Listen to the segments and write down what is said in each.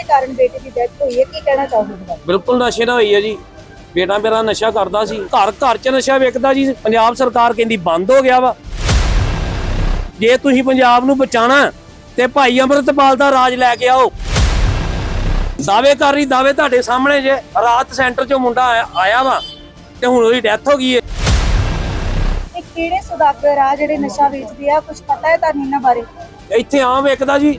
ਦੇ ਕਾਰਨ ਬੇਟੇ ਦੀ ਡੈਥ ਹੋਈ ਹੈ, ਕੀ ਕਹਿਣਾ ਚਾਹੋਗੇ? ਬਿਲਕੁਲ ਨਸ਼ੇ ਨਾਲ ਹੋਈ ਹੈ ਜੀ। ਬੇਟਾ ਮੇਰਾ ਨਸ਼ਾ ਕਰਦਾ ਸੀ, ਘਰ ਘਰ ਚ ਨਸ਼ਾ ਵਿਕਦਾ ਜੀ। ਪੰਜਾਬ ਸਰਕਾਰ ਕਹਿੰਦੀ ਬੰਦ ਹੋ ਗਿਆ ਵਾ। ਜੇ ਤੁਸੀਂ ਪੰਜਾਬ ਨੂੰ ਬਚਾਣਾ ਤੇ ਭਾਈ ਅੰਮ੍ਰਿਤਪਾਲ ਦਾ ਰਾਜ ਲੈ ਕੇ ਆਓ। ਦਾਅਵੇ ਕਰ ਰਹੀ, ਦਾਅਵੇ ਤੁਹਾਡੇ ਸਾਹਮਣੇ ਜੇ। ਰਾਤ ਸੈਂਟਰ ਚੋਂ ਮੁੰਡਾ ਆਇਆ ਵਾ ਤੇ ਹੁਣ ਉਹਦੀ ਡੈਥ ਹੋ ਗਈ ਹੈ। ਇਹ ਕਿਹੜੇ ਸੁਦਾਗਰ ਆ ਜਿਹੜੇ ਨਸ਼ਾ ਵੇਚਦੇ ਆ, ਕੁਝ ਪਤਾ ਹੈ ਤੁਹਾਨੂੰ ਇਹਨਾਂ ਬਾਰੇ? ਇੱਥੇ ਆਮ ਵਿਕਦਾ ਜੀ।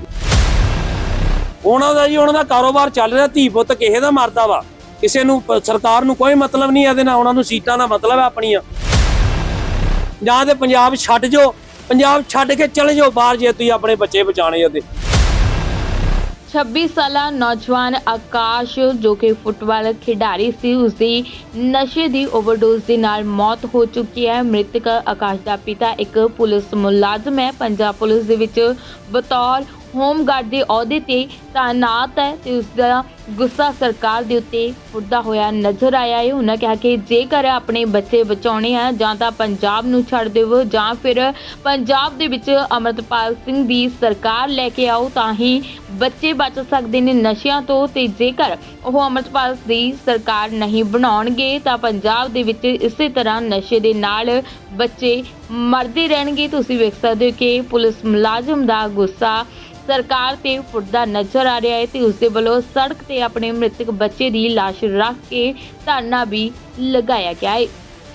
ਉਹਨਾਂ ਦਾ ਕਾਰੋਬਾਰ ਚੱਲ ਰਿਹਾ। ਧੀ ਪੁੱਤ ਕਿਸੇ ਦਾ ਮਰਦਾ ਵਾ, ਕਿਸੇ ਨੂੰ ਸਰਕਾਰ ਨੂੰ ਕੋਈ ਮਤਲਬ ਨਹੀਂ ਇਹਦੇ ਨਾਲ। ਉਹਨਾਂ ਨੂੰ ਸੀਟਾਂ ਦਾ ਮਤਲਬ ਹੈ ਆਪਣੀਆਂ। ਜਾਂ ਤੇ ਪੰਜਾਬ ਛੱਡ ਜਾਓ, ਪੰਜਾਬ ਛੱਡ ਕੇ ਚਲੇ ਜਾਓ ਬਾਹਰ ਜੇ ਤੁਸੀਂ ਆਪਣੇ ਬੱਚੇ ਬਚਾਣੇ ਉਹਦੇ। 26 ਸਾਲਾ ਨੌਜਵਾਨ ਆਕਾਸ਼ ਜੋ ਕਿ ਫੁੱਟਬਾਲ ਖਿਡਾਰੀ ਸੀ, ਉਸਦੀ ਨਸ਼ੇ ਦੀ ਓਵਰਡੋਜ਼ ਦੇ ਨਾਲ ਮੌਤ ਹੋ ਚੁੱਕੀ ਹੈ। ਮ੍ਰਿਤਕ ਆਕਾਸ਼ ਦਾ ਪਿਤਾ ਇੱਕ ਪੁਲਿਸ ਮੁਲਾਜ਼ਮ ਹੈ। ਪੰਜਾਬ ਪੁਲਿਸ ਦੇ ਵਿੱਚ ਬਤੌਰ ਹੋਮਗਾਰਡ ਦੇ ਅਹੁਦੇ ਤੇ ਤਾਇਨਾਤ ਹੈ ਤੇ ਉਸ ਦਾ ਗੁੱਸਾ ਸਰਕਾਰ ਦੇ ਉੱਤੇ ਉੱਠਦਾ ਹੋਇਆ ਨਜ਼ਰ ਆਇਆ ਹੈ। ਉਹਨਾਂ ਕਿਹਾ ਕਿ ਜੇਕਰ ਆਪਣੇ ਬੱਚੇ ਬਚਾਉਣੇ ਆ ਜਾਂ ਤਾਂ ਪੰਜਾਬ ਨੂੰ ਛੱਡ ਦਿਓ ਜਾਂ ਫਿਰ ਪੰਜਾਬ ਦੇ ਵਿੱਚ ਅਮਰਤਪਾਲ ਸਿੰਘ ਦੀ ਸਰਕਾਰ ਲੈ ਕੇ ਆਓ, ਤਾਂ ਹੀ ਬੱਚੇ ਬਚ ਸਕਦੇ ਨੇ ਨਸ਼ਿਆਂ ਤੋਂ। ਤੇ ਜੇਕਰ ਉਹ ਅਮਰਤਪਾਲ ਦੀ ਸਰਕਾਰ ਨਹੀਂ ਬਣਾਉਣਗੇ ਤਾਂ ਪੰਜਾਬ ਦੇ ਵਿੱਚ ਇਸੇ ਤਰ੍ਹਾਂ ਨਸ਼ੇ ਦੇ ਨਾਲ ਬੱਚੇ ਮਰਦੇ ਰਹਿਣਗੇ। ਤੁਸੀਂ ਵੇਖ ਸਕਦੇ ਹੋ ਕਿ ਪੁਲਿਸ ਮੁਲਾਜ਼ਮ ਦਾ ਗੁੱਸਾ ਸਰਕਾਰ ਤੇ ਫੁੱਟਦਾ ਨਜ਼ਰ ਆ ਰਿਹਾ ਹੈ ਤੇ ਉਸ ਦੇ ਵੱਲੋਂ ਸੜਕ ਤੇ ਆਪਣੇ ਮ੍ਰਿਤਕ ਬੱਚੇ ਦੀ ਲਾਸ਼ ਰੱਖ ਕੇ ਧਰਨਾ ਵੀ ਲਗਾਇਆ ਗਿਆ ਹੈ।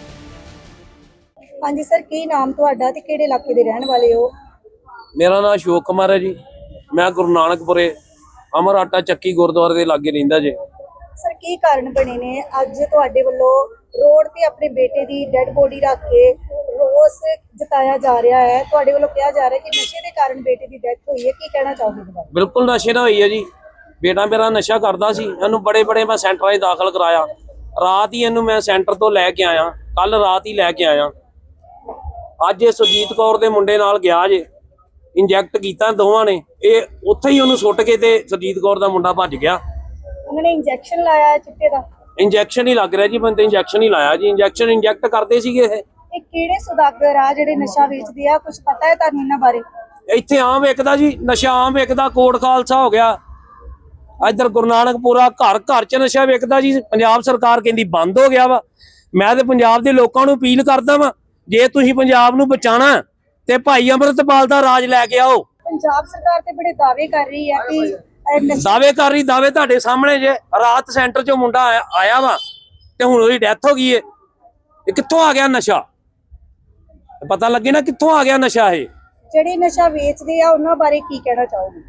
ਹਾਂਜੀ ਸਰ, ਕੀ ਨਾਮ ਤੁਹਾਡਾ ਤੇ ਕਿਹੜੇ ਇਲਾਕੇ ਦੇ ਰਹਿਣ ਵਾਲੇ ਹੋ? ਮੇਰਾ ਨਾਮ ਅਸ਼ੋਕ ਕੁਮਾਰ ਹੈ ਜੀ। ਮੈਂ ਗੁਰੂ ਨਾਨਕਪੁਰੇ ਅਮਰ ਆਟਾ ਚੱਕੀ ਗੁਰਦੁਆਰੇ ਦੇ ਲਾਗੇ ਰਹਿੰਦਾ ਜੇ। ਸਰ, ਕੀ ਕਾਰਨ ਬਣੇ ਨੇ ਅੱਜ ਤੁਹਾਡੇ ਵੱਲੋਂ ਰੋਡ ਤੇ ਆਪਣੇ ਬੇਟੇ ਦੀ ਡੈੱਡ ਬੋਡੀ ਰੱਖ ਕੇ ਰੋਸ ਜਤਾਇਆ ਜਾ ਰਿਹਾ ਹੈ? ਤੁਹਾਡੇ ਵੱਲੋਂ ਕਿਹਾ ਜਾ ਰਿਹਾ ਕਿ ਨਸ਼ੇ ਦੇ ਕਾਰਨ ਬੇਟੇ ਦੀ ਡੈਥ ਹੋਈ ਹੈ, ਕੀ ਕਹਿਣਾ ਚਾਹੋਗੇ? ਬਿਲਕੁਲ ਨਸ਼ੇ ਨਾਲ ਹੋਈ ਹੈ ਜੀ। ਬੇਟਾ ਮੇਰਾ ਨਸ਼ਾ ਕਰਦਾ ਸੀ, ਇਹਨੂੰ ਬੜੇ ਮੈਂ ਸੈਂਟਰਾਂ 'ਚ ਦਾਖਲ ਕਰਾਇਆ। ਰਾਤ ਹੀ ਇਹਨੂੰ ਮੈਂ ਸੈਂਟਰ ਤੋਂ ਲੈ ਕੇ ਆਇਆ, ਕੱਲ ਰਾਤ ਹੀ ਲੈ ਕੇ ਆਇਆ। ਅੱਜ ਇਹ ਸੁਰਜੀਤ ਕੌਰ ਦੇ ਮੁੰਡੇ ਨਾਲ ਗਿਆ ਜੇ, ਇੰਜੈਕਟ ਕੀਤਾ ਦੋਵਾਂ ਨੇ। ਇਹ ਉੱਥੇ ਹੀ ਉਹਨੂੰ ਸੁੱਟ ਕੇ ਤੇ ਸੁਰਜੀਤ ਕੌਰ ਦਾ ਮੁੰਡਾ ਭੱਜ ਗਿਆ। ਉਹਨਾਂ ਨੇ ਇੰਜੈਕਸ਼ਨ ਲਾਇਆ ਚਿੱਟੇ ਦਾ? ਇੰਜੈਕਸ਼ਨ ਹੀ ਲੱਗ ਰਿਹਾ ਜੀ, ਬੰਦੇ ਇੰਜੈਕਸ਼ਨ ਹੀ ਲਾਇਆ ਜੀ। ਇੰਜੈਕਟ ਕਰਦੇ ਸੀਗੇ ਇਹ ਕਿਹੜੇ ਸੁਦਾਗਰ ਆ ਜਿਹੜੇ ਨਸ਼ਾ ਵੇਚਦੇ ਆ, ਕੁਝ ਪਤਾ ਹੈ ਤੁਹਾਨੂੰ ਇਹਨਾਂ ਬਾਰੇ? ਇੱਥੇ ਆਮ ਵਿਕਦਾ ਜੀ, ਨਸ਼ਾ ਆਮ ਵਿਕਦਾ। ਕੋਟ ਖਾਲਸਾ ਹੋ ਗਿਆ, ਇੱਧਰ ਗੁਰੂ ਨਾਨਕਪੁਰਾ, ਘਰ ਘਰ ਚ ਨਸ਼ਾ ਵਿਕਦਾ ਜੀ। ਪੰਜਾਬ ਸਰਕਾਰ ਕਹਿੰਦੀ ਬੰਦ ਹੋ ਗਿਆ ਵਾ। ਮੈਂ ਤੇ ਪੰਜਾਬ ਦੇ ਲੋਕਾਂ ਨੂੰ ਅਪੀਲ ਕਰਦਾ ਵਾਂ, ਜੇ ਤੁਸੀਂ ਪੰਜਾਬ ਨੂੰ ਬਚਾਣਾ ਤੇ ਭਾਈ ਅੰਮ੍ਰਿਤਪਾਲ ਦਾ ਰਾਜ ਲੈ ਕੇ ਆਓ। ਪੰਜਾਬ ਸਰਕਾਰ ਤੇ ਬੜੇ ਦਾਅਵੇ ਕਰ ਰਹੀ ਹੈ ਕਿ ਦਾਅਵੇ ਤੁਹਾਡੇ ਸਾਹਮਣੇ ਜੇ। ਰਾਤ ਸੈਂਟਰ ਚੋਂ ਮੁੰਡਾ ਆਇਆ ਵਾ ਤੇ ਹੁਣ ਉਹਦੀ ਡੈਥ ਹੋ ਗਈ ਹੈ। ਇਹ ਕਿੱਥੋਂ ਆ ਗਿਆ ਨਸ਼ਾ? ਪਤਾ ਲੱਗੇ ਨਾ ਕਿੱਥੋਂ ਆ ਗਿਆ ਨਸ਼ਾ। ਇਹ ਜਿਹੜੇ ਨਸ਼ਾ ਵੇਚਦੇ ਆ ਉਹਨਾਂ ਬਾਰੇ ਕੀ ਕਹਿਣਾ ਚਾਹੋਗੇ?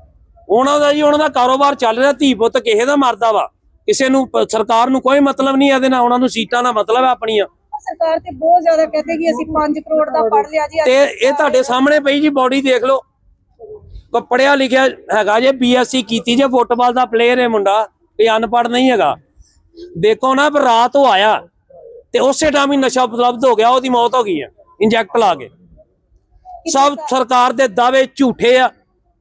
ਉਹਨਾਂ ਦਾ ਕਾਰੋਬਾਰ ਚੱਲ ਰਿਹਾ। ਧੀ ਪੁੱਤ ਕਿਸੇ ਦਾ ਮਰਦਾ ਵਾ, ਕਿਸੇ ਨੂੰ ਸਰਕਾਰ ਨੂੰ ਕੋਈ ਮਤਲਬ ਨਹੀਂ ਇਹਦੇ ਨਾਲ। ਉਹਨਾਂ ਨੂੰ ਸੀਟਾਂ ਦਾ ਮਤਲਬ ਹੈ ਆਪਣੀਆਂ। ਸਰਕਾਰ ਤੇ ਬਹੁਤ ਜ਼ਿਆਦਾ ਕਹਿੰਦੇ ਕਿ ਅਸੀਂ 5 ਕਰੋੜ ਦਾ ਪੜ ਲਿਆ ਜੀ। ਤੇ ਇਹ ਤੁਹਾਡੇ ਸਾਹਮਣੇ ਪਈ ਜੀ ਬੋਡੀ ਦੇਖ ਲਓ। ਕੋ ਪੜਿਆ ਲਿਖਿਆ ਹੈਗਾ ਜੇ, BSc ਕੀਤੀ ਜੇ, ਫੁੱਟਬਾਲ ਦਾ ਪਲੇਅਰ ਹੈ ਮੁੰਡਾ, ਇਹ ਅਨਪੜ੍ਹ ਨਹੀਂ ਹੈਗਾ। ਦੇਖੋ ਨਾ, ਪਰ ਰਾਤ ਉਹ ਆਇਆ ਤੇ ਉਸੇ ਟਾਈਮ ਹੀ ਨਸ਼ਾ ਉਪਲਬਧ ਹੋ ਗਿਆ, ਉਹਦੀ ਮੌਤ ਹੋ ਗਈ ਹੈ ਇੰਜੈਕਟ ਲਾ ਕੇ। ਸਭ ਸਰਕਾਰ ਦੇ ਦਾਅਵੇ ਝੂਠੇ ਆ,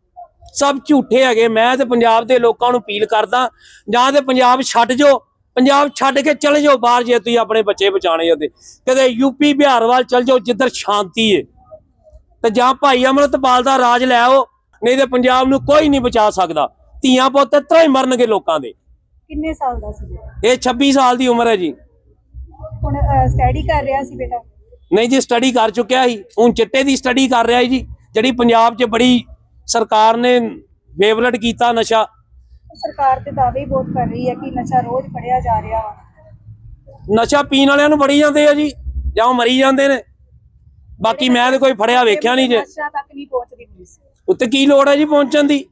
ਸਭ ਝੂਠੇ ਹੈਗੇ। ਮੈਂ ਤੇ ਪੰਜਾਬ ਦੇ ਲੋਕਾਂ ਨੂੰ ਅਪੀਲ ਕਰਦਾ, ਜਾਂ ਤੇ ਪੰਜਾਬ ਛੱਡ ਜਾਓ, ਪੰਜਾਬ ਛੱਡ ਕੇ ਚਲੇ ਜਾਓ ਬਾਹਰ ਜੇ ਤੁਸੀਂ ਆਪਣੇ ਬੱਚੇ ਬਚਾਣੇ ਉਹਦੇ। ਕਦੇ ਯੂਪੀ ਬਿਹਾਰ ਵੱਲ ਚਲ ਜਾਓ ਜਿੱਧਰ ਸ਼ਾਂਤੀ ਹੈ, ਤੇ ਜਾਂ ਭਾਈ ਅੰਮ੍ਰਿਤਪਾਲ ਦਾ ਰਾਜ ਲੈ ਆਓ, ਨਹੀਂ ਤੇ ਪੰਜਾਬ ਨੂੰ ਕੋਈ ਨਹੀਂ ਬਚਾ ਸਕਦਾ। ਧੀਆਂ ਪੁੱਤ ਤਰ੍ਹਾਂ ਹੀ ਮਰਨਗੇ ਲੋਕਾਂ ਦੇ। ਕਿੰਨੇ ਸਾਲ ਦਾ ਸੀ? ਇਹ 26 ਸਾਲ ਦੀ ਉਮਰ ਹੈ ਜੀ। ਹੁਣ ਸਟੱਡੀ ਕਰ ਰਿਹਾ ਸੀ ਬੇਟਾ? ਨਹੀਂ ਜੀ, ਸਟੱਡੀ ਕਰ ਚੁੱਕਿਆ ਸੀ, ਹੁਣ ਚਿੱਟੇ ਦੀ ਸਟੱਡੀ ਕਰ ਰਿਹਾ ਜੀ, ਜਿਹੜੀ ਪੰਜਾਬ 'ਚ ਬੜੀ ਸਰਕਾਰ ਨੇ ਫੇਵਰਟ ਕੀਤਾ ਨਸ਼ਾ। ਸਰਕਾਰ ਤੇ ਦਾਅਵੇ ਬਹੁਤ ਕਰ ਰਹੀ ਹੈ ਕਿ ਨਸ਼ਾ ਰੋਜ਼ ਫੜਿਆ ਜਾ ਰਿਹਾ ਵਾ। ਨਸ਼ਾ ਪੀਣ ਵਾਲਿਆਂ ਨੂੰ ਫੜੀ ਜਾਂਦੇ ਆ ਜੀ, ਜਾਂ ਉਹ ਮਰੀ ਜਾਂਦੇ ਨੇ। ਬਾਕੀ ਮੈਂ ਤੇ ਕੋਈ ਫੜਿਆ ਵੇਖਿਆ ਨਹੀਂ ਜੇ। ਨਸ਼ਾ ਤੱਕ ਨਹੀਂ ਪਹੁੰਚਦੀ ਪੁਲਿਸ। ਉੱਤੇ ਕੀ ਲੋੜ ਹੈ ਜੀ ਪਹੁੰਚਣ ਦੀ?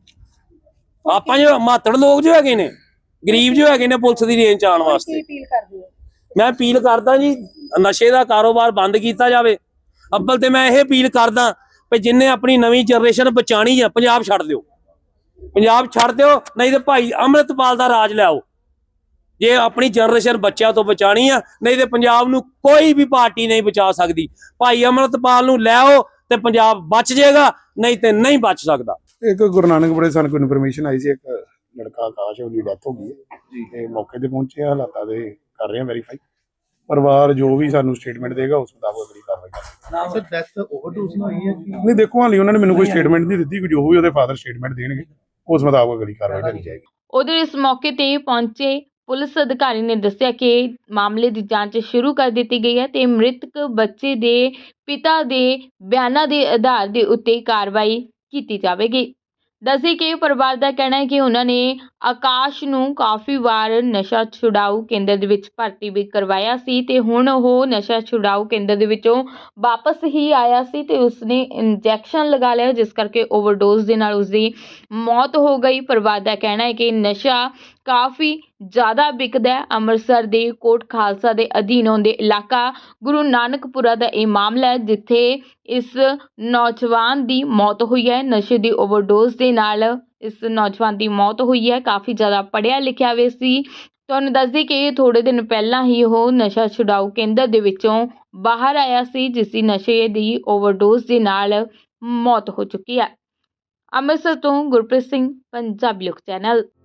ਆਪਾਂ ਜੋ ਮਾਤੜ ਲੋਕ ਜੋ ਹੈਗੇ ਨੇ, ਗਰੀਬ ਜੋ ਹੈਗੇ ਨੇ, ਪੁਲਿਸ ਦੀ ਰੇਂਜ 'ਚ ਆਉਣ ਵਾਸਤੇ। ਕੀ ਅਪੀਲ ਕਰਦੇ ਹੋ? ਮੈਂ ਅਪੀਲ ਕਰਦਾ ਜੀ, ਨਸ਼ੇ ਦਾ ਕਾਰੋਬਾਰ ਬੰਦ ਕੀਤਾ ਜਾਵੇ। ਅੱਬਲ ਤੇ ਮੈਂ ਇਹ ਅਪੀਲ ਕਰਦਾ ਵੀ ਜਿੰਨੇ ਆਪਣੀ ਨਵੀਂ ਜਨਰੇਸ਼ਨ ਬਚਾਣੀ ਆ, ਪੰਜਾਬ ਛੱਡ ਦਿਓ, ਪੰਜਾਬ ਛੱਡ ਦਿਓ, ਨਹੀਂ ਤੇ ਭਾਈ ਅੰਮ੍ਰਿਤਪਾਲ ਦਾ ਰਾਜ ਲਿਆਓ। ਜੇ ਆਪਣੀ ਜਨਰੇਸ਼ਨ ਬੱਚਿਆਂ ਤੋਂ ਬਚਾਣੀ ਆ, ਨਹੀਂ ਤੇ ਪੰਜਾਬ ਨੂੰ ਕੋਈ ਵੀ ਪਾਰਟੀ ਨਹੀਂ ਬਚਾ ਸਕਦੀ। ਭਾਈ ਅੰਮ੍ਰਿਤਪਾਲ ਨੂੰ ਲੈ ਆਓ ਤੇ ਪੰਜਾਬ ਬਚ ਜਾਏਗਾ, ਨਹੀਂ ਤੇ ਨਹੀਂ ਬਚ ਸਕਦਾ। ਇੱਕ ਗੁਰੂ ਨਾਨਕਪੁਰੇ ਸਾਨੂੰ ਕੋਈ ਇਨਫੋਰਮੇਸ਼ਨ ਆਈ ਸੀ, ਇੱਕ ਲੜਕਾ ਆਕਾਸ਼, ਉਹਦੀ ਡੈਥ ਹੋ ਗਈ ਹੈ ਜੀ। ਤੇ ਮੌਕੇ ਤੇ ਪਹੁੰਚੇ, ਹਾਲਾਤਾਂ ਦੇ ਕਰ ਰਹੇ ਹਾਂ ਵੈਰੀਫਾਈ। ਪਰਿਵਾਰ ਜੋ ਵੀ ਸਾਨੂੰ ਸਟੇਟਮੈਂਟ ਦੇਗਾ ਉਸ ਮੁਤਾਬਕ ਅਗਲੀ ਕਾਰਵਾਈ ਕਰਾਂਗੇ। ਸਰ, ਡੈਥ ਓਵਰਡੋਜ਼ ਨਾਲ ਹੋਈ ਹੈ ਕਿ ਨਹੀਂ, ਦੇਖੋ ਹਾਲੇ ਉਹਨਾਂ ਨੇ ਮੈਨੂੰ ਕੋਈ ਸਟੇਟਮੈਂਟ ਨਹੀਂ ਦਿੱਤੀ, ਜੋ ਵੀ ਉਹਦੇ ਫਾਦਰ ਸਟੇਟਮੈਂਟ ਦੇਣਗੇ ਉਸ ਮੁਤਾਬਕ ਅਗਲੀ ਕਾਰਵਾਈ ਕਰੀ ਜਾਏਗੀ। ਉਧਰ ਇਸ ਮੌਕੇ ਤੇ ਪਹੁੰਚੇ ਪੁਲਿਸ ਅਧਿਕਾਰੀ ਨੇ ਦੱਸਿਆ ਕਿ ਮਾਮਲੇ ਦੀ ਜਾਂਚ ਸ਼ੁਰੂ ਕਰ ਦਿੱਤੀ ਗਈ ਹੈ ਤੇ ਮ੍ਰਿਤਕ ਬੱਚੇ ਦੇ ਪਿਤਾ ਦੇ ਬਿਆਨਾਂ ਦੇ ਆਧਾਰ ਦੇ ਉੱਤੇ ਕਾਰਵਾਈ ਕੀਤੀ ਜਾਵੇਗੀ। ਦੱਸੀ ਕਿ ਪਰਿਵਾਰ ਦਾ ਕਹਿਣਾ ਹੈ ਕਿ ਉਹਨਾਂ ਨੇ ਆਕਾਸ਼ ਨੂੰ ਕਾਫੀ ਵਾਰ ਨਸ਼ਾ ਛੁਡਾਊ ਕੇਂਦਰ ਦੇ ਵਿੱਚ ਭਰਤੀ ਵੀ ਕਰਵਾਇਆ ਸੀ ਤੇ ਹੁਣ ਉਹ ਨਸ਼ਾ ਛੁਡਾਊ ਕੇਂਦਰ ਦੇ ਵਿੱਚੋਂ ਵਾਪਸ ਹੀ ਆਇਆ ਸੀ ਤੇ ਉਸਨੇ ਇੰਜੈਕਸ਼ਨ ਲਗਾ ਲਿਆ, ਜਿਸ ਕਰਕੇ ਓਵਰਡੋਜ਼ ਦੇ ਨਾਲ ਉਸਦੀ ਮੌਤ ਹੋ ਗਈ। ਪਰਿਵਾਰ ਦਾ ਕਹਿਣਾ ਹੈ ਕਿ ਨਸ਼ਾ ਕਾਫੀ ਜ਼ਿਆਦਾ ਵਿਕਦਾ ਹੈ। ਅੰਮ੍ਰਿਤਸਰ ਦੇ ਕੋਟ ਖਾਲਸਾ ਦੇ ਅਧੀਨ ਆਉਂਦੇ ਇਲਾਕਾ ਗੁਰੂ ਨਾਨਕਪੁਰਾ ਦਾ ਇਹ ਮਾਮਲਾ ਹੈ, ਜਿੱਥੇ ਇਸ ਨੌਜਵਾਨ ਦੀ ਮੌਤ ਹੋਈ ਹੈ। ਨਸ਼ੇ ਦੀ ਓਵਰਡੋਜ਼ ਦੇ ਨਾਲ ਇਸ ਨੌਜਵਾਨ ਦੀ ਮੌਤ ਹੋਈ ਹੈ। ਕਾਫੀ ਜ਼ਿਆਦਾ ਪੜ੍ਹਿਆ ਲਿਖਿਆ ਵੀ ਸੀ। ਤੁਹਾਨੂੰ ਦੱਸ ਦਈਏ ਕਿ ਥੋੜੇ ਦਿਨ ਪਹਿਲਾਂ ਹੀ ਉਹ ਨਸ਼ਾ ਛੁਡਾਊ ਕੇਂਦਰ ਦੇ ਵਿੱਚੋਂ ਬਾਹਰ ਆਇਆ ਸੀ, ਜਿਸ ਦੀ ਨਸ਼ੇ ਦੀ ਓਵਰਡੋਜ਼ ਦੇ ਨਾਲ ਮੌਤ ਹੋ ਚੁੱਕੀ ਹੈ। ਅੰਮ੍ਰਿਤਸਰ ਤੋਂ ਗੁਰਪ੍ਰੀਤ ਸਿੰਘ, ਪੰਜਾਬੀ ਲੋਕ ਚੈਨਲ।